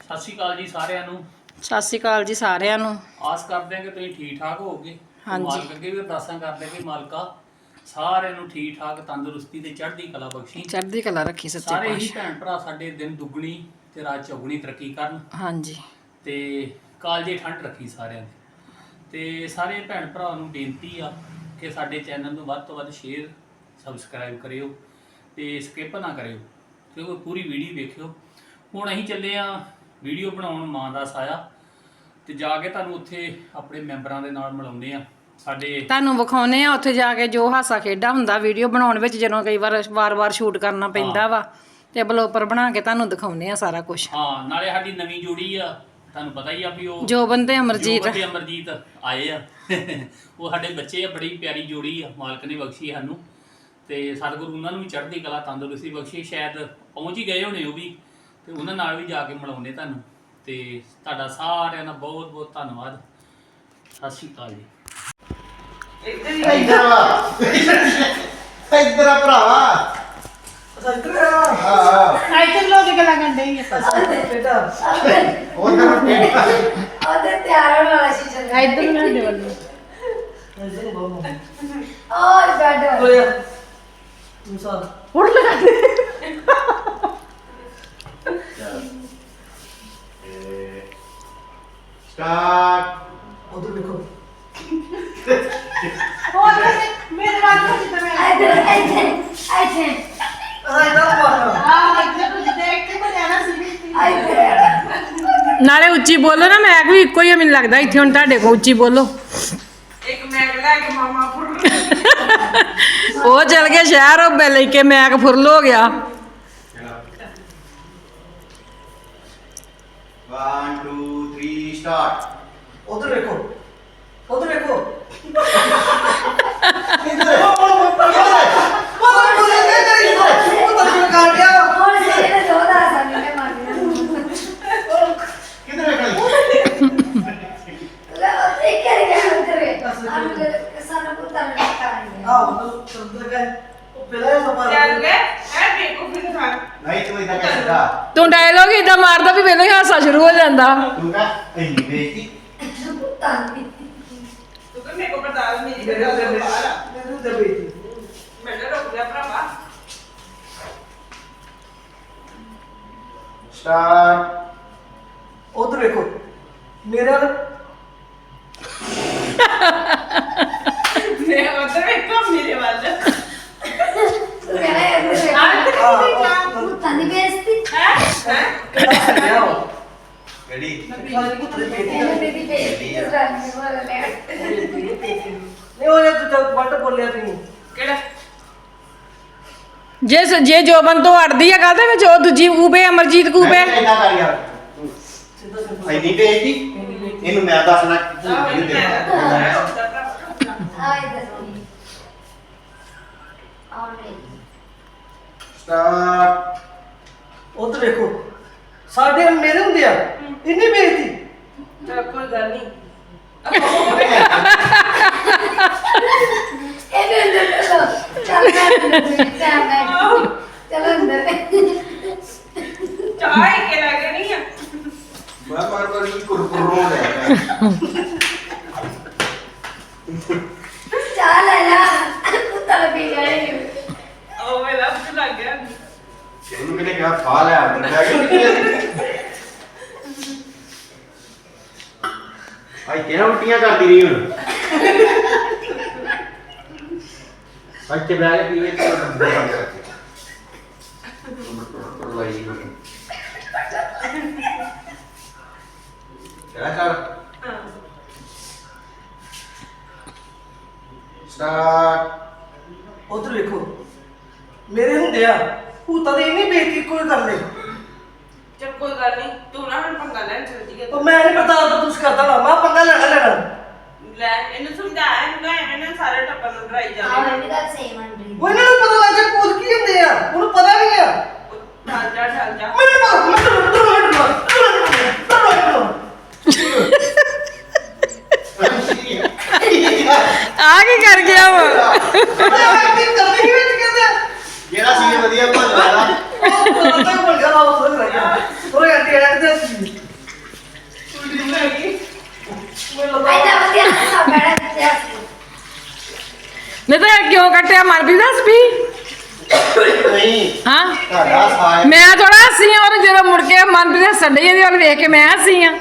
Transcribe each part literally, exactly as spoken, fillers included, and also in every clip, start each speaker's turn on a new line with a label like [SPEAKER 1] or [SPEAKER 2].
[SPEAKER 1] ਸਤਿ ਸ਼੍ਰੀ ਅਕਾਲ ਜੀ ਸਾਰਿਆਂ ਨੂੰ।
[SPEAKER 2] ਸਤਿ ਸ਼੍ਰੀ ਅਕਾਲ ਜੀ ਸਾਰਿਆਂ ਨੂੰ।
[SPEAKER 1] ਆਸ ਕਰਦੇ ਹਾਂ ਕਿ ਤੁਸੀਂ ਠੀਕ ਠਾਕ ਹੋਵੋਗੇ।
[SPEAKER 2] ਹਾਂਜੀ।
[SPEAKER 1] ਮਾਲਕ ਅੱਗੇ ਵੀ ਅਰਦਾਸਾਂ ਕਰਦੇ ਕਿ ਮਾਲਕਾ ਸਾਰਿਆਂ ਨੂੰ ਠੀਕ ਠਾਕ ਤੰਦਰੁਸਤੀ ਤੇ ਚੜ੍ਹਦੀ ਕਲਾ ਬਖਸ਼ੀ।
[SPEAKER 2] ਚੜ੍ਹਦੀ ਕਲਾ ਰੱਖੀ ਸੱਚੇ
[SPEAKER 1] ਸਾਰੇ ਹੀ
[SPEAKER 2] ਪਾਤਸ਼ਾਹ।
[SPEAKER 1] ਭੈਣ ਭਰਾ ਸਾਡੇ ਦਿਨ ਦੁੱਗਣੀ ਤੇ ਰਾਤ ਚੌਗੁਣੀ ਤਰੱਕੀ ਕਰਨ
[SPEAKER 2] ਹਾਂਜੀ।
[SPEAKER 1] ਤੇ ਕਾਲਜੇ ਠੰਡ ਰੱਖੀ ਸਾਰਿਆਂ ਦੀ। ਤੇ ਸਾਰੇ ਭੈਣ ਭਰਾ ਨੂੰ ਬੇਨਤੀ ਆ ਕਿ ਸਾਡੇ ਚੈਨਲ ਨੂੰ ਵੱਧ ਤੋਂ ਵੱਧ ਸ਼ੇਅਰ ਸਬਸਕ੍ਰਾਈਬ ਕਰਿਓ ਤੇ ਸਕਿਪ ਨਾ ਕਰਿਓ ਕਿਉਂਕਿ ਪੂਰੀ ਵੀਡੀਓ ਵੇਖਿਓ। ਹੁਣ ਅਸੀਂ ਚੱਲੇ ਆ ਵੀਡੀਓ ਬਣਾਉਣ ਮਾਂ ਦਾ ਸਾਇਆ ਤੇ ਜਾ ਕੇ ਤੁਹਾਨੂੰ ਉੱਥੇ ਆਪਣੇ ਮੈਂਬਰਾਂ ਦੇ ਨਾਲ ਮਿਲਾਉਂਦੇ ਆ। ਸਾਡੇ
[SPEAKER 2] ਤੁਹਾਨੂੰ ਵਿਖਾਉਨੇ ਆ ਉੱਥੇ ਜਾ ਕੇ ਜੋ ਹਾਸਾ ਖੇਡਾ ਹੁੰਦਾ ਵੀਡੀਓ ਬਣਾਉਣ ਵਿੱਚ, ਜਦੋਂ ਕਈ ਵਾਰ ਵਾਰ-ਵਾਰ ਸ਼ੂਟ ਕਰਨਾ ਪੈਂਦਾ ਵਾ ਤੇ ਬਲੋਪਰ ਬਣਾ ਕੇ ਤੁਹਾਨੂੰ ਦਿਖਾਉਨੇ ਆ ਸਾਰਾ ਕੁਝ।
[SPEAKER 1] ਹਾਂ, ਨਾਲੇ ਸਾਡੀ ਨਵੀਂ ਜੋੜੀ ਆ, ਤੁਹਾਨੂੰ ਪਤਾ ਹੀ ਆ ਵੀ ਉਹ
[SPEAKER 2] ਜੋਬਨ ਤੇ ਅਮਰਜੀਤ
[SPEAKER 1] ਜੋਬਨ ਤੇ ਅਮਰਜੀਤ ਆਏ ਆ। ਉਹ ਸਾਡੇ ਬੱਚੇ ਆ, ਬੜੀ ਪਿਆਰੀ ਜੋੜੀ ਆ, ਮਾਲਕ ਨੇ ਬਖਸ਼ੀ ਸਾਨੂੰ ਤੇ ਸਤਿਗੁਰੂ ਉਹਨਾਂ ਨੂੰ ਵੀ ਚੜ੍ਹਦੀ ਕਲਾ ਤੰਦਰੁਸਤੀ ਬਖਸ਼ੀ। ਸ਼ਾਇਦ ਪਹੁੰਚ ਹੀ ਗਏ ਹੋਣੇ ਉਹ ਵੀ, ਤੇ ਉਹਨਾਂ ਨਾਲ ਵੀ ਜਾ ਕੇ ਮਿਲਾਉਂਦੇ ਤੁਹਾਨੂੰ। ਤੇ ਤੁਹਾਡਾ ਸਾਰਿਆਂ ਦਾ ਬਹੁਤ ਬਹੁਤ ਧੰਨਵਾਦ। ਸਤਿ ਸ਼੍ਰੀ ਅਕਾਲ ਜੀ।
[SPEAKER 3] ਇੱਧਰ ਆ ਇੱਧਰ ਆ ਭਰਾਵਾ।
[SPEAKER 4] ਇੱਧਰ ਆ
[SPEAKER 3] ਹਾਂ
[SPEAKER 2] ਇੱਥੇ ਲੋਕ ਗੱਲਾਂ ਕਰਦੇ ਹੀ
[SPEAKER 4] ਬੇਟਾ
[SPEAKER 3] ਉਧਰ ਬੇਟਾ
[SPEAKER 5] ਉਹਦੇ ਤਿਆਰ ਹੋਣ ਵਾਲਾ ਸੀ ਚੱਲ
[SPEAKER 2] ਇੱਧਰ ਨਾ ਦੇ ਵੱਲੋਂ
[SPEAKER 4] ਇੱਧਰ ਬਾਬੂ
[SPEAKER 5] ਔਰ ਬੈਠੋ
[SPEAKER 4] ਹੋਇਆ ਮੁਸਾ
[SPEAKER 2] ਹੁੜ ਲਗਾ ਦੇ।
[SPEAKER 3] ਸਟਾਰਟ।
[SPEAKER 4] ਉਧਰ ਦੇਖੋ
[SPEAKER 2] ਹੋਰ ਮੇਰੇ ਵੱਲ ਨੂੰ ਜਿੱਦਾਂ ਮੈਂ
[SPEAKER 5] ਇੱਧਰ ਇੱਥੇ ਇੱਥੇ
[SPEAKER 4] ਆ ਇਹਦਾ ਮਾਰਨਾ
[SPEAKER 2] ਆ ਇੱਧਰ ਨੂੰ ਦੇਖ ਕੇ ਬਣਾਣਾ ਸੀ।
[SPEAKER 5] ਇੱਥੇ
[SPEAKER 2] ਨਾਲੇ ਉੱਚੀ ਬੋਲੋ ਨਾ, ਮੈਂ ਵੀ ਇੱਕੋ ਹੀ ਆ ਮੈਨੂੰ ਲੱਗਦਾ ਇੱਥੇ। ਹੁਣ ਤੁਹਾਡੇ ਕੋਲ ਉੱਚੀ ਬੋਲੋ।
[SPEAKER 4] ਇੱਕ ਮੈਗ ਲੈ ਕੇ ਮਾਮਾ ਫੁਰ
[SPEAKER 2] ਉਹ ਚਲ ਗਿਆ ਸ਼ਹਿਰ, ਉਹ ਬੈ ਲੈ ਕੇ ਮੈਕ ਫੁਰਲ ਹੋ ਗਿਆ।
[SPEAKER 3] one two three start।
[SPEAKER 4] ਉਧਰ ਦੇਖੋ ਉਧਰ ਦੇਖੋ
[SPEAKER 3] ਇੱਧਰ
[SPEAKER 5] ਹੋਰ ਸੇ ਤੇ ਦੋਦਾ ਸਾਨੂੰ ਨੇ ਮਾਰਨਾ
[SPEAKER 3] ਕਿੱਧਰ ਵੇਖਣੀ
[SPEAKER 5] ਲੈ ਉੱਥੇ ਕਰ ਗਿਆ ਉੱਧਰ ਆਮ ਸਾਨੂੰ ਪੁੱਤਾਂ ਨੇ ਕਰਾਂਗੇ
[SPEAKER 3] ਨਹੀਂ ਤੂੰ ਇਦਾਂ ਕਹਿ ਸਕਦਾ।
[SPEAKER 2] ਤੂੰ ਡਾਇਲੋਗ ਇਦਾਂ ਮਾਰਦਾ ਵੀ ਮੈਨੂੰ ਹੀ ਹਾਸਾ ਸ਼ੁਰੂ ਹੋ ਜਾਂਦਾ।
[SPEAKER 3] ਤੂੰ ਕਹ ਇੰਨੀ ਬੇਇੱਜ਼ਤੀ।
[SPEAKER 5] ਪੁੱਤਾਂ ਦੀ
[SPEAKER 3] ਸਟਾਰਟ।
[SPEAKER 4] ਉਧਰ ਦੇਖੋ ਮੇਰੇ ਵੱਲ
[SPEAKER 6] ਮੈਂ ਉਧਰ ਵੇਖੋ ਮੇਰੇ ਵੱਲ
[SPEAKER 5] ਤੂੰ ਕਹਿੰਦਾ ਇੱਧਰ ਪੁੱਤਾਂ ਦੀ ਬੇਇੱਜ਼ਤੀ
[SPEAKER 3] ਰੈਡੀ।
[SPEAKER 5] ਇਹਨੇ ਦੀ ਬੇਇੱਜ਼ਤੀ ਕਿਸ ਤਰ੍ਹਾਂ ਨਹੀਂ ਹੋ ਰਿਹਾ
[SPEAKER 4] ਨਹੀਂ ਉਹ ਜੇ ਤੂੰ ਵੱਟ ਬੋਲਿਆ ਤੂੰ
[SPEAKER 6] ਕਿਹੜਾ
[SPEAKER 2] ਜੇ ਸ- ਜੇ ਜੋਬਨ ਤੋਂ ਅੜਦੀ ਆ ਗੱਲ ਦੇ ਵਿੱਚ, ਉਹ ਦੂਜੀ ਕੂਬੇ ਅਮਰਜੀਤ ਕੂਬੇ।
[SPEAKER 3] ਇਦਾਂ ਕਰ ਯਾਰ।
[SPEAKER 4] ਸਿੱਧਾ ਸਿੰਪਲ
[SPEAKER 3] ਇੰਨੀ ਬੇਇੱਜ਼ਤੀ ਇਹਨੂੰ ਮੈਂ ਦੱਸਣਾ
[SPEAKER 6] ਆਹ
[SPEAKER 3] ਇਹਨੂੰ
[SPEAKER 6] ਮੈਂ
[SPEAKER 3] ਦੇ।
[SPEAKER 5] ਆ ਇੱਧਰ ਸੁਣੀ ਆਉਣ ਨਹੀਂ
[SPEAKER 3] ਸਟਾਰਟ।
[SPEAKER 4] ਉਧਰ ਦੇਖੋ ਸਾਡੇ ਮੇਰੇ ਹੁੰਦੇ ਆ ਇੰਨੀ ਬੇਇੱਜ਼ਤੀ
[SPEAKER 6] ਤਾਂ ਕੋਈ ਗੱਲ ਨਹੀਂ
[SPEAKER 5] ਇਹਨੇ ਅੰਦਰ ਚਲੋ ਚੱਲ ਅੰਦਰ ਟਾਈਮ ਨਾਲ ਚਲੋ ਅੰਦਰ
[SPEAKER 6] ਚਾਹ ਹੀ ਕੇ ਲੱਗਣੀ ਆ
[SPEAKER 3] ਮੈਂ ਮਾਰ ਮਾਰ ਕੀ ਕੁਰਕੁਰ ਰੋ ਰਿਹਾ।
[SPEAKER 5] ਚਾਹ ਲੈ ਲਾ ਕੁੱਤਾ ਪੀ ਗਏ
[SPEAKER 6] ਉਹ ਵੇਲਾ ਭੁੱਖ ਲੱਗ ਗਿਆ
[SPEAKER 3] ਉਹਨੂੰ ਕਿਹਨੇ ਕਿਹਾ ਖਾ ਲੈ ਅੰਦਰ ਜਾ ਕੇ। ਆਈ ਕਿਹੜਾ ਉਲਟੀਆਂ ਕਰਦੀ ਰਹੀ ਹੁਣ। ਅੱਜ ਤੇ ਬੈਠ ਕੇ ਪੀਵੇ ਤੇ ਬੰਦ ਕਰਕੇ ਲਾਈ ਕਿਹੜਾ ਕਰ ਸਟਾਰਟ।
[SPEAKER 4] ਉਧਰ ਦੇਖੋ ਮੇਰੇ ਹੁੰਦੇ ਆ ਭੂਤਾਂ ਦੀ ਇੰਨੀ ਬੇਇੱਜ਼ਤੀ ਕੋਈ ਕਰ ਲੈ
[SPEAKER 6] ਚੱਲ ਕੋਈ ਗੱਲ ਨਹੀਂ ਤੂੰ ਨਾ ਹੁਣ ਪੰਗਾ ਲੈਣ ਚੱਲ ਜੀ
[SPEAKER 4] ਉਹ ਮੈਂ ਨਹੀਂ ਪਤਾ ਤਾਂ ਤੁਸੀਂ ਕਰਦਾ ਨਾ ਮੈਂ ਪੰਗਾ ਲੈਣਾ ਲੈਣਾ
[SPEAKER 6] ਲੈ ਇਹਨੂੰ ਸਮਝਾ ਇਹਨੂੰ ਐਵੇਂ ਨਾ ਸਾਰੇ ਟੱਬਰ ਨੂੰ ਡਰਾਈ
[SPEAKER 5] ਆਹ
[SPEAKER 6] ਜਾਵੇ
[SPEAKER 5] ਇਹ ਵੀ ਗੱਲ ਸੇਮ ਅੰਡਰੀ
[SPEAKER 4] ਉਹ ਇਹਨਾਂ ਨੂੰ ਪਤਾ ਲੱਗ ਜਾ ਭੂਤ ਕੀ ਹੁੰਦੇ ਆ ਉਹਨੂੰ ਪਤਾ ਨਹੀਂ ਆ
[SPEAKER 6] ਢਲ ਜਾ ਢਲ ਜਾ
[SPEAKER 4] ਮੈਨੂੰ ਪਤਾ ਮੈਨੂੰ
[SPEAKER 2] ਆ ਕੀ ਕਰ ਗਿਆ ਵਾ?
[SPEAKER 3] ਜਿਹੜਾ ਸੀ ਵਧੀਆ ਭੰਨ ਵਾਲਾ।
[SPEAKER 4] ਉਹ ਪਤਾ ਨਹੀਂ ਬਣ ਗਿਆ ਉਹ ਥੋੜਾ ਲੱਗਿਆ ਥੋੜਾ ਘੰਟੇ ਐਡ ਦੇ ਜੀ
[SPEAKER 6] ਉਲਟੀ ਬਣਾ ਗਈ
[SPEAKER 4] ਮੈਨੂੰ ਲੱਗਾ
[SPEAKER 5] ਐਨਾ ਵਧੀਆ ਹੱਸਾ ਬੜਾ ਦਿੱਤਾ ਸੀ
[SPEAKER 2] ਨਹੀਂ ਤਾਂ ਇਹ ਕਿਉਂ ਕੱਟਿਆ ਮਨਪ੍ਰੀਤ ਦੱਸ ਵੀ
[SPEAKER 3] ਨਹੀਂ
[SPEAKER 2] ਹਾਂ
[SPEAKER 3] ਤੁਹਾਡਾ ਸਾਇਆ
[SPEAKER 2] ਮੈਂ ਥੋੜਾ ਹੱਸੀ ਆ ਔਰ ਜਦੋਂ ਮੁੜ ਕੇ ਮਨਪ੍ਰੀਤ ਹੱਸਣ ਡਈ ਇਹਦੀ ਵੱਲ ਵੇਖ ਕੇ ਮੈਂ ਹੱਸੀ ਆ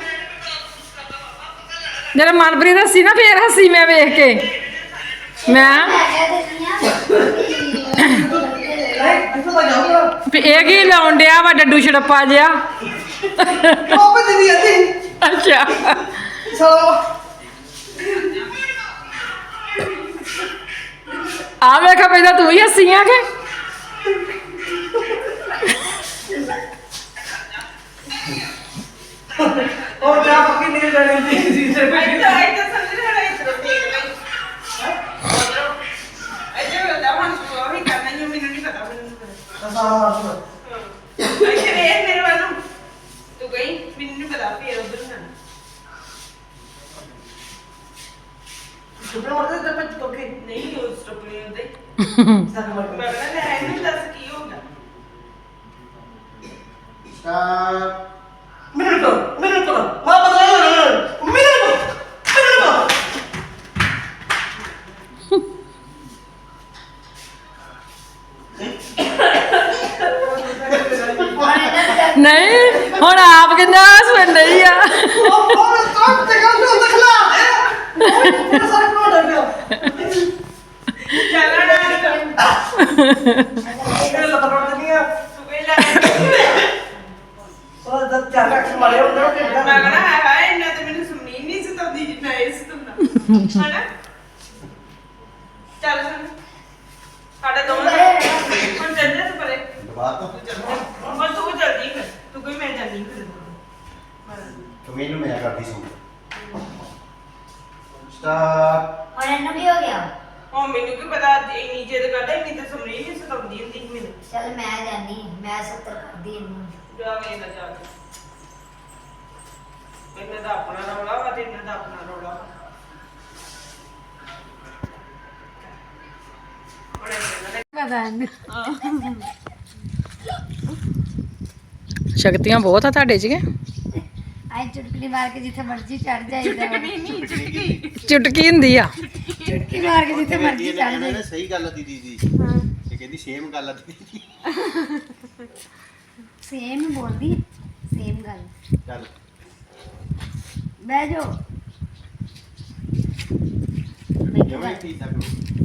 [SPEAKER 2] ਜਦੋਂ ਮਨਪ੍ਰੀਤ ਹੱਸੀ ਨਾ ਫੇਰ ਹੱਸੀ ਮੈਂ ਵੇਖ ਕੇ ਮੈਂ
[SPEAKER 5] ਮੈਂ ਕਹਿ ਦਿੰਦੀ ਆ
[SPEAKER 4] ਨਹੀਂ ਇੱਥੋਂ ਤਾਂ ਜਾਊਗਾ
[SPEAKER 2] ਵੀ ਇਹ ਕੀ ਲਾਉਣ ਡਿਆ ਵਾ ਡੱਡੂ ਛੜੱਪਾ ਜਿਹਾ
[SPEAKER 4] ਉਹ ਵੀ ਦੀਦੀ ਆਂਦੀ
[SPEAKER 2] ਅੱਛਾ
[SPEAKER 4] ਸੋ
[SPEAKER 2] ਆ ਵੇਖਾ ਪਹਿਲਾਂ ਤੂੰ ਹੀ ਹੱਸੀ ਆ ਕਿ
[SPEAKER 4] ਉਹ ਜਾ ਪੱਕੀ ਨਹੀਂ ਲੈਣੀ ਸੀ ਜੀ ਸੇ
[SPEAKER 6] ਅੱਜ ਤਾਂ ਅੱਜ ਤਾਂ ਸਮਝ ਰਿਹਾ ਇਸ ਤਰ੍ਹਾਂ ਦੇਖ ਲਈ ਅਜੇ ਉਹ ਦਾ ਮਨ ਉਹ ਹੀ ਕਰਨਾ ਨਹੀਂ ਮੈਨੂੰ ਨਹੀਂ ਪਤਾ ਮੈਨੂੰ ਨਹੀਂ ਪਤਾ
[SPEAKER 4] ਅਸਾਂ
[SPEAKER 6] ਅੱਛਾ ਵੇਖ ਮੇਰੇ ਵੱਲ ਨੂੰ। ਤੂੰ ਗਈ ਮੈਨੂੰ ਨਹੀਂ ਪਤਾ ਫੇਰ ਉਧਰ ਨਾ
[SPEAKER 4] ਸੁਪਰ ਮਾਰਦੇ ਤੇ ਪੱਚ ਤੋਕੇ
[SPEAKER 6] ਨਹੀਂ ਉਹ ਸਟਾਪ ਨਹੀਂ ਹੁੰਦੇ
[SPEAKER 4] ਸਾਡਾ
[SPEAKER 6] ਮੈਂ
[SPEAKER 4] ਮਰ
[SPEAKER 6] ਕਹਿੰਦਾ ਲੈ ਇਹਨੂੰ ਦੱਸ ਕੀ ਹੋਊਗਾ
[SPEAKER 3] ਸਟਾਰ
[SPEAKER 4] ਮੈਨੂੰ ਕੋ ਮੈਨੂੰ ਕੋ ਮੈਂ ਬਤਾ ਮੈਨੂੰ ਮੈਨੂੰ ਕੋ
[SPEAKER 2] ਨਹੀਂ ਹੁਣ ਆਪ ਕਿੰਨਾ ਹੱਸਣ ਡਈ ਆ
[SPEAKER 4] ਉਹ ਉਹ ਸਟਾਪ ਤੇ ਗੱਲ ਤੋਂ ਦਿਖਲਾ ਦੇ ਉਹ ਸਾਰੇ ਕੋਲ ਡਰ ਗਿਆ
[SPEAKER 6] ਚੱਲਣਾ ਨਹੀਂ ਕਰ
[SPEAKER 4] ਇਹ ਲੱਤ ਪੜ ਦਿੰਦੀ ਆ
[SPEAKER 6] ਤੂੰ ਗਈ ਲੈ
[SPEAKER 4] ਉਹ ਜਦ ਚਾਰ ਲੱਖ ਮਾਰੇ ਹੁੰਦੇ ਉਹ
[SPEAKER 6] ਮੈਂ ਕਹਿੰਦਾ ਹੈ ਹਾਏ ਇੰਨਾ ਤੇ ਮੈਨੂੰ ਸੁਣੀ ਨਹੀਂ ਸਤਾਉਂਦੀ ਜਿੰਨਾ ਇਹ ਸਤਾਉਂਦਾ ਹਨਾ ਚੱਲ ਸੁਣ ਸਾਡੇ ਦੋਵਾਂ ਦਾ ਹੁਣ ਚੱਲ ਜਾ ਤੂੰ ਪਰੇ
[SPEAKER 3] ਬਾਤ
[SPEAKER 6] ਹੁਣ ਤੂੰ ਜਲਦੀ ਕਰ ਤੂੰ ਕੋਈ ਮੈਂ ਜਾਂਦੀ ਫਿਰ
[SPEAKER 3] ਤੂੰ ਮੈਨੂੰ ਮੈਂ ਕਰਦੀ ਸੁਣ ਸਟਾਰ
[SPEAKER 5] ਹੁਣ ਇਹਨੂੰ ਕੀ ਹੋ ਗਿਆ
[SPEAKER 6] ਉਹ ਮੈਨੂੰ ਕੀ ਪਤਾ ਇੰਨੀ ਜਿੱਦ ਕਰਦਾ ਇੰਨੀ ਤੇ ਸੁਣੀ ਨਹੀਂ ਸਤਾਉਂਦੀ ਹੁੰਦੀ ਸੀ ਮੈਨੂੰ
[SPEAKER 5] ਚੱਲ ਮੈਂ ਜਾਨੀ ਮੈਂ ਸੱਤਰ ਕਰਦੀ ਇਹਨੂੰ
[SPEAKER 6] ਜਾ ਵੇ ਨਾ ਜਾ ਇਹਨਾਂ ਦਾ ਆਪਣਾ ਰੌਲਾ ਵਾ ਤੇ ਇਹਨਾਂ ਦਾ ਆਪਣਾ ਰੌਲਾ ਵਾ ਹੁਣ ਇਹਨਾਂ ਨੇ
[SPEAKER 2] ਸ਼ਕਤੀਆਂ ਬਹੁਤ ਆ ਤੁਹਾਡੇ 'ਚ ਕਿ
[SPEAKER 5] ਆਈ ਚੁਟਕੀ ਮਾਰ ਕੇ ਜਿੱਥੇ ਮਰਜ਼ੀ ਚੜ ਜਾਈਦਾ ਵਾ।
[SPEAKER 2] ਚੁਟਕੀ ਹੁੰਦੀ ਆ
[SPEAKER 5] ਚੁਟਕੀ ਮਾਰ ਕੇ ਜਿੱਥੇ ਮਰਜ਼ੀ ਚੜ
[SPEAKER 3] ਕਹਿੰਦੇ
[SPEAKER 5] ਜਾਈਦਾ
[SPEAKER 3] ਨੇ ਸਹੀ ਗੱਲ ਆ ਦੀਦੀ ਦੀ ਇਹ ਕਹਿੰਦੀ ਸੇਮ ਗੱਲ ਆ ਦੀਦੀ ਦੀ
[SPEAKER 5] ਸੇਮ ਹੀ ਬੋਲਦੀ ਸੇਮ ਗੱਲ
[SPEAKER 3] ਚੱਲ
[SPEAKER 5] ਬਹਿ ਜਾਓ
[SPEAKER 3] ਜਿਵੇਂ ਠੀਕ ਤੱਕ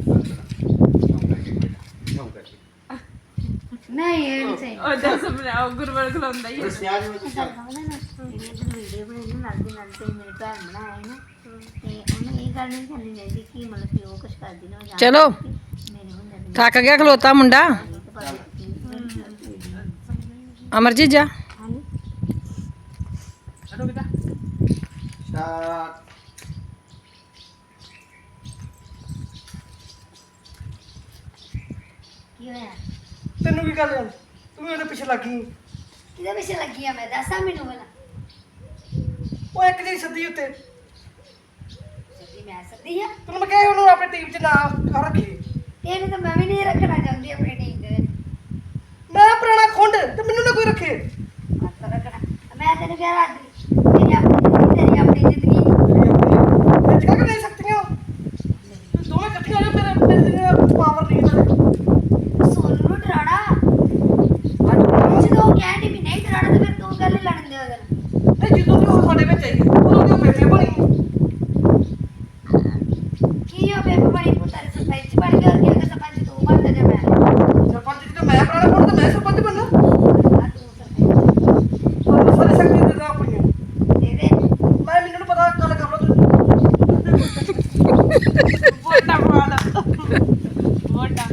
[SPEAKER 3] ਕਿਉਂ ਕਰਕੇ
[SPEAKER 5] ਨਹੀਂ ਇਹ ਨਹੀਂ ਸਹੀ
[SPEAKER 6] ਉਹ ਦੱਸ ਬਣਾਓ ਗੁਰਵਰ ਖਲਾਉਂਦਾ ਹੀ
[SPEAKER 3] ਦੱਸਿਆ ਜਿਵੇਂ ਤੂੰ ਚੱਲ
[SPEAKER 5] ਵੀਡੀਓ ਬਣਾਈ ਨਾਲ ਦੀ ਨਾਲ ਤੇ ਮੇਰੇ ਭੈਣ ਬਣਾਇਆ ਨਾ ਤੇ ਉਹਨੂੰ ਇਹ ਗੱਲ ਨਹੀਂ ਕਰਨੀ ਚਾਹੀਦੀ ਕਿ ਮਤਲਬ ਕਿ ਉਹ ਕੁਛ ਕਰਦੀ ਨਾ ਜਾਂ
[SPEAKER 2] ਚਲੋ
[SPEAKER 5] ਮੇਰੇ ਹੁੰਦੇ ਨੇ
[SPEAKER 2] ਥੱਕ ਗਿਆ ਖਲੋਤਾ ਮੁੰਡਾ ਅਮਰਜੀਤ ਜਾ
[SPEAKER 5] ਹਾਂਜੀ
[SPEAKER 6] ਚਲੋ ਬੇਟਾ
[SPEAKER 3] ਸਟਾਰ
[SPEAKER 5] ਕੀ ਹੋਇਆ
[SPEAKER 4] ਤੈਨੂੰ ਕੀ ਗੱਲ ਹੈ ਤੂੰ ਵੀ ਉਹਦੇ ਪਿੱਛੇ ਲੱਗੀ
[SPEAKER 5] ਕਿਹਦੇ ਪਿੱਛੇ ਲੱਗੀ ਆ ਮੈਂ ਦੱਸਾਂ ਮੈਨੂੰ ਪਹਿਲਾਂ
[SPEAKER 4] ਉਹ ਇੱਕ ਜਿਹੜੀ ਸੱਦੀ ਉੱਤੇ
[SPEAKER 5] ਸੱਚੀ ਮੈਂ ਸੱਦੀ ਆ
[SPEAKER 4] ਤੈਨੂੰ ਮੈਂ ਕਿਹਾ ਉਹਨੂੰ ਆਪਣੇ ਟੀਮ 'ਚ ਨਾ ਆ ਰੱਖੀ
[SPEAKER 5] ਇਹਨੂੰ ਤਾਂ ਮੈਂ ਵੀ ਨਹੀਂ ਰੱਖਣਾ ਚਾਹੁੰਦੀ ਆਪਣੀ ਟੀਮ ਦੇ
[SPEAKER 4] ਮੈਂ ਪੁਰਾਣਾ ਖੁੰਡ ਤੇ ਮੈਨੂੰ ਨਾ ਕੋਈ ਰੱਖੇ
[SPEAKER 5] ਹੱਥ ਰੱਖਣਾ ਮੈਂ ਤੈਨੂੰ ਕਿਹਾ ਰਾਜੀ ਮੇਰੀ ਆਪਣੀ ਜ਼ਿੰਦਗੀ ਤੇਰੀ ਆਪਣੀ ਜ਼ਿੰਦਗੀ
[SPEAKER 4] ਵਿੱਚ ਕਾ ਨਹੀਂ ਸਕਤੀਆਂ ਦੋਵੇਂ ਇਕੱਠੀਆਂ ਹੋ ਜਾਓ ਮੇਰੇ ਮੇਰੇ ਜਿਹੜੇ ਪਾਵਰ ਨਹੀਂ ਤੇ
[SPEAKER 5] ਸੋਨੂੰ ਨੂੰ ਡਰਾਣਾ ਜਦੋਂ ਉਹ ਕਹਿੰਦੀ ਵੀ ਨਹੀਂ ਡਰਾਣਾ ਤਾਂ ਫਿਰ ਤੂੰ ਗੱਲ ਹੀ ਲੜਨ ਦੇ ਉਹਦੇ ਨਾਲ
[SPEAKER 4] ਨਹੀਂ ਜਦੋਂ ਦੀ ਉਹ ਸਾਡੇ ਵਿੱਚ ਆਈ ਉਦੋਂ ਦੀ ਉਹ ਬੇਬੇ ਬਣੀ
[SPEAKER 5] ਕੀ ਉਹ ਬੇਬੇ ਬੜੀ ਪੁੱਤਰ ਸਰਪੰਚ ਬਣ ਗਿਆ ਔਰ ਕਿ ਸਰਪੰਚ ਤੂੰ ਬਣ ਜਾ ਮੈਂ
[SPEAKER 4] ਸਰਪੰਚ ਜੀ ਤਾਂ ਮੈਂ ਪੁਰਾਣਾ ਖੁੰਡ ਤੇ ਮੈਂ ਸਰਪੰਚ ਬਣਨਾ
[SPEAKER 5] ਆ ਤੂੰ ਸਰਪੰਚ
[SPEAKER 4] ਪਰ ਸਾਰੇ ਸਕਤੀ ਦੇ ਦਾ ਪਈਆਂ
[SPEAKER 5] ਦੇ ਦੇ
[SPEAKER 4] ਮੈਂ ਮੈਨੂੰ ਨੀ ਪਤਾ ਗੱਲ ਕਰ ਲਓ ਤੁਸੀਂ
[SPEAKER 6] ਵੋਟਾਂ ਪਵਾ ਲਾ ਵੋਟਾਂ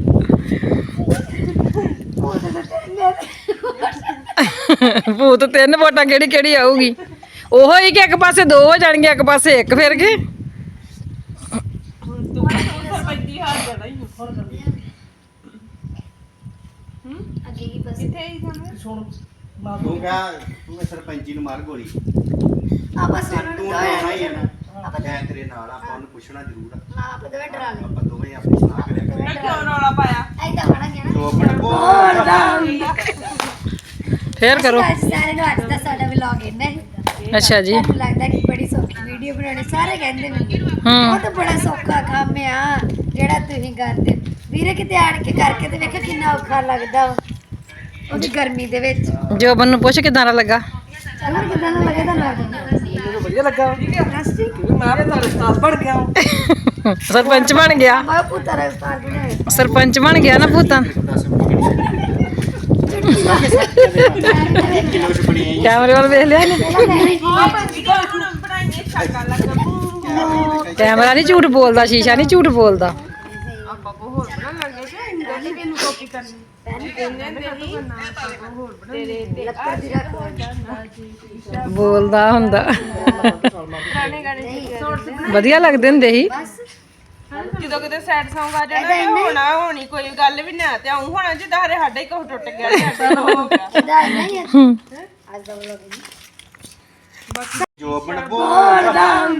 [SPEAKER 2] ਭੂਤ ਤਿੰਨ ਵੋਟਾਂ ਕਿਹੜੀ ਕਿਹੜੀ ਆਊਗੀ ਉਹੋ ਹੀ ਕਿ ਇੱਕ ਪਾਸੇ ਦੋ ਹੋ ਜਾਣਗੇ ਇੱਕ ਪਾਸੇ ਇੱਕ ਫਿਰ ਕੇ
[SPEAKER 6] ਹੁਣ ਤੂੰ ਸਰਪੰਚੀ ਹਾਰ ਜਾਣਾ ਹੀ
[SPEAKER 5] ਅੱਗੇ ਕੀ ਬਸ
[SPEAKER 6] ਕਿੱਥੇ ਹੀ ਸਾਨੂੰ
[SPEAKER 4] ਸੁਣ ਮਾਂ
[SPEAKER 3] ਤੂੰ ਕਹਾ ਤੂੰ ਇਹ ਸਰਪੰਚੀ ਨੂੰ ਮਾਰ ਗੋਲੀ
[SPEAKER 5] ਆਪਾਂ ਸੋਨੂੰ
[SPEAKER 3] ਤੂੰ
[SPEAKER 5] ਨੂੰ
[SPEAKER 3] ਆਉਣਾ ਹੀ
[SPEAKER 5] ਦੋਵੇਂ
[SPEAKER 3] ਹੈ ਨਾ ਮੈਂ ਤੇਰੇ ਨਾਲ ਆ, ਆਪਾਂ ਉਹਨੂੰ ਪੁੱਛਣਾ ਜ਼ਰੂਰ ਆ
[SPEAKER 5] ਆਪ ਦੋਵੇਂ ਡਰਾ ਲੈ
[SPEAKER 3] ਆਪਾਂ ਦੋਵੇਂ ਆਪਣੀ ਸਲਾਹ ਕਰਿਆ ਕਰਾਂਗੇ
[SPEAKER 6] ਮੈਂ ਕਿਉਂ ਰੌਲਾ ਪਾਇਆ
[SPEAKER 5] ਐਦਾਂ ਬਣਾ ਗਿਆ ਨਾ
[SPEAKER 3] ਦੋ ਮਿੰਟ ਬੋਲ
[SPEAKER 2] ਫੇਰ ਕਰੋ
[SPEAKER 5] ਅੱਜ ਸਾਰੇ ਨੂੰ ਅੱਜ ਦਾ ਸਾਡਾ ਵਲੌਗ ਇਹਨਾਂ ਹੀ
[SPEAKER 2] ਅੱਛਾ ਜੀ
[SPEAKER 5] ਤੁਹਾਨੂੰ ਲੱਗਦਾ ਕਿ ਬੜੀ ਸੌਖੀ ਵੀਡੀਓ ਬਣਾਉਣੀ ਸਾਰੇ ਕਹਿੰਦੇ ਮੈਨੂੰ
[SPEAKER 2] ਹੂੰ
[SPEAKER 5] ਉਹ ਤਾਂ ਬੜਾ ਸੌਖਾ ਕੰਮ ਆ ਜਿਹੜਾ ਤੁਸੀਂ ਕਰਦੇ ਵੀਰੇ ਕਿਤੇ ਆਣ ਕੇ ਕਰਕੇ ਤੇ ਵੇਖੋ ਕਿੰਨਾ ਔਖਾ ਲੱਗਦਾ ਵਾ। ਉਹਦੀ ਗਰਮੀ ਦੇ ਵਿੱਚ
[SPEAKER 2] ਜੋਬਨ ਨੂੰ ਪੁੱਛ ਕਿਦਾਂ ਦਾ ਲੱਗਾ
[SPEAKER 5] ਹੋਰ ਕਿਦਾਂ ਦਾ ਲੱਗੇ ਤੁਹਾਨੂੰ
[SPEAKER 4] ਮੈਨੂੰ ਵਧੀਆ ਲੱਗਾ
[SPEAKER 5] ਦੱਸ ਜੀ
[SPEAKER 4] ਕਿਉਂਕਿ ਮੈਂ ਤਾਂ ਉਸਤਾਦ ਬਣ ਗਿਆ ਹਾਂ।
[SPEAKER 2] ਸਰਪੰਚ ਬਣ ਗਿਆ
[SPEAKER 5] ਮੈਂ ਪੁੱਤਰ ਰਸਤਾਰ ਬਣਾਇਆ
[SPEAKER 2] ਸਰਪੰਚ ਬਣ ਗਿਆ ਨਾ ਭੂਤਾਂ
[SPEAKER 3] ਕਿਲੋ ਚ ਬਣੀ ਆਈ
[SPEAKER 2] ਕੈਮਰੇ ਵੱਲ ਵੇਖ ਲਿਆ ਨੀ
[SPEAKER 6] ਹਾਂ ਭਾਜੀ ਕੋਲ ਹੁਣ ਬਣਾਈਏ ਛਾਕਾ ਲੱਗਾ ਬੂਮ
[SPEAKER 2] ਕੈਮਰਾ ਨਹੀਂ ਝੂਠ ਬੋਲਦਾ ਸ਼ੀਸ਼ਾ ਨਹੀਂ ਝੂਠ ਬੋਲਦਾ
[SPEAKER 6] ਆਪਾਂ ਕੋ ਹੋਰ ਬਣਾ ਲੱਗੇ ਕਿ ਇੰਦਾ ਨਹੀਂ ਕਿਨੂੰ ਕਾਪੀ ਕਰਨੀ ਇਹਨੇ ਦੇ ਨਹੀਂ ਆਪਾਂ ਕੋ ਹੋਰ ਬਣਾ
[SPEAKER 5] ਲੱਕੜ ਦੀ ਰੱਖ
[SPEAKER 2] ਬੋਲਦਾ ਹੁੰਦਾ
[SPEAKER 6] ਪੁਰਾਣੇ ਗਾਣੇ
[SPEAKER 2] ਵਧੀਆ ਲੱਗਦੇ ਹੁੰਦੇ ਸੀ
[SPEAKER 6] ਜਦੋਂ ਕਿਤੇ ਸੈਡ Song ਆ ਜਾਣਾ ਤੇ ਹੋਣਾ ਹੋਣੀ ਕੋਈ ਗੱਲ ਵੀ ਨਾ ਤੇ ਆਉਂ ਹੋਣਾ ਜਿੱਦਾਂ ਹਰੇ ਸਾਡਾ ਹੀ ਕੁਝ ਟੁੱਟ ਗਿਆ ਤੇ ਸਾਡਾ ਹੋ ਗਿਆ
[SPEAKER 5] ਇਹਦਾ ਨਹੀਂ ਹੈ ਅੱਜ ਦਾ ਵਲੌਗ
[SPEAKER 3] ਜੋ ਬਣ ਬੋਲ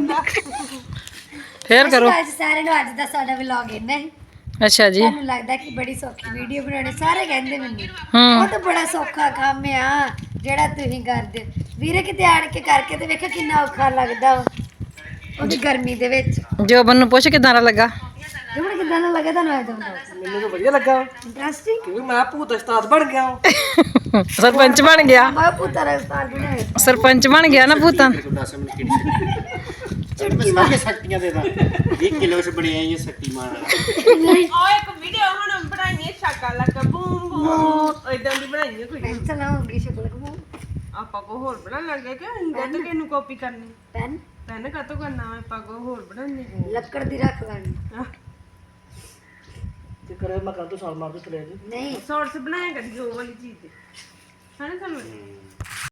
[SPEAKER 2] ਫੇਰ ਕਰੋ
[SPEAKER 5] ਅੱਜ ਸਾਰੇ ਨੂੰ ਅੱਜ ਦਾ ਸਾਡਾ ਵਲੌਗ ਇਹਨਾਂ ਹੀ
[SPEAKER 2] ਅੱਛਾ ਜੀ
[SPEAKER 5] ਤੁਹਾਨੂੰ ਲੱਗਦਾ ਕਿ ਬੜੀ ਸੌਖੀ ਵੀਡੀਓ ਬਣਾਉਣੀ ਸਾਰੇ ਕਹਿੰਦੇ ਮੈਨੂੰ
[SPEAKER 2] ਹੂੰ
[SPEAKER 5] ਉਹ ਤਾਂ ਬੜਾ ਸੌਖਾ ਕੰਮ ਆ ਜਿਹੜਾ ਤੁਸੀਂ ਕਰਦੇ ਵੀਰੇ ਕਿਤੇ ਆਣ ਕੇ ਕਰਕੇ ਤੇ ਵੇਖੋ ਕਿੰਨਾ ਔਖਾ ਲੱਗਦਾ ਵਾ। ਉਹਦੀ ਗਰਮੀ ਦੇ ਵਿੱਚ
[SPEAKER 2] ਜੋਬਨ ਨੂੰ ਪੁੱਛ ਕਿਦਾਂ ਦਾ ਲੱਗਾ
[SPEAKER 5] ਜਮਣ ਕਿਦਾਂ ਦਾ ਲੱਗਾ ਤੁਹਾਨੂੰ ਅੱਜ ਦਾ
[SPEAKER 4] ਮੈਨੂੰ ਤਾਂ ਵਧੀਆ ਲੱਗਾ
[SPEAKER 5] ਇੰਟਰਸਟਿੰਗ
[SPEAKER 4] ਕਿਉਂਕਿ ਮੈਂ ਭੂਤ ਉਸਤਾਦ ਬਣ ਗਿਆ ਹਾਂ।
[SPEAKER 2] ਸਰਪੰਚ ਬਣ ਗਿਆ
[SPEAKER 5] ਮੈਂ ਪੁੱਤਰ ਰਸਤਾਰ ਬਣਾਇਆ
[SPEAKER 2] ਸਰਪੰਚ ਬਣ ਗਿਆ ਨਾ ਭੂਤਾਂ
[SPEAKER 3] ਦਸ ਮਿੰਟ ਕਿਹੜੀ ਸੀ ਮੈਂ ਸ਼ਕਤੀਆਂ ਦੇ ਦਾਂ ਵੀਹ ਕਿਲੋ ਚ ਬਣੀ ਆਈ ਸ਼ਕਤੀਮਾਨ
[SPEAKER 6] ਉਹ ਇੱਕ ਵੀਡੀਓ ਹੁਣ ਬਣਾਈਏ ਛਾਕਾ ਲੱਗਾ ਬੂਮ ਬੂਮ ਇਦਾਂ ਦੀ ਬਣਾਈਏ ਕੋਈ
[SPEAKER 5] ਪੈਨਸਲ ਹੋਊਗੀ ਸ਼ਕਲ ਕੋ
[SPEAKER 6] ਆਪਾਂ ਕੋ ਹੋਰ ਬਣਾ ਲੱਗੇ ਕਿ ਇੰਦਾ ਤੇ ਕਿਨੂੰ ਕਾਪੀ ਕਰਨੀ
[SPEAKER 5] ਪੈਨ
[SPEAKER 6] ਪੈਨ ਕਾਤੋਂ ਕਰਨਾ ਆਪਾਂ ਕੋ ਹੋਰ ਬਣਾਉਣੀ
[SPEAKER 5] ਲੱਕੜ ਦੀ ਰੱਖ ਲੈਣੀ
[SPEAKER 4] ਤੇ ਕਰੇ ਮੈਂ ਕੱਲ ਤੋਂ ਸਾਲ ਮਾਰ ਦੇ ਚਲੇ ਜੀ
[SPEAKER 5] ਨਹੀਂ
[SPEAKER 6] ਸੌਰਸ ਬਣਾਇਆ ਕਦੀ ਉਹ ਵਾਲੀ ਚੀਜ਼ ਤੇ ਹਾਂ ਸਾਨੂੰ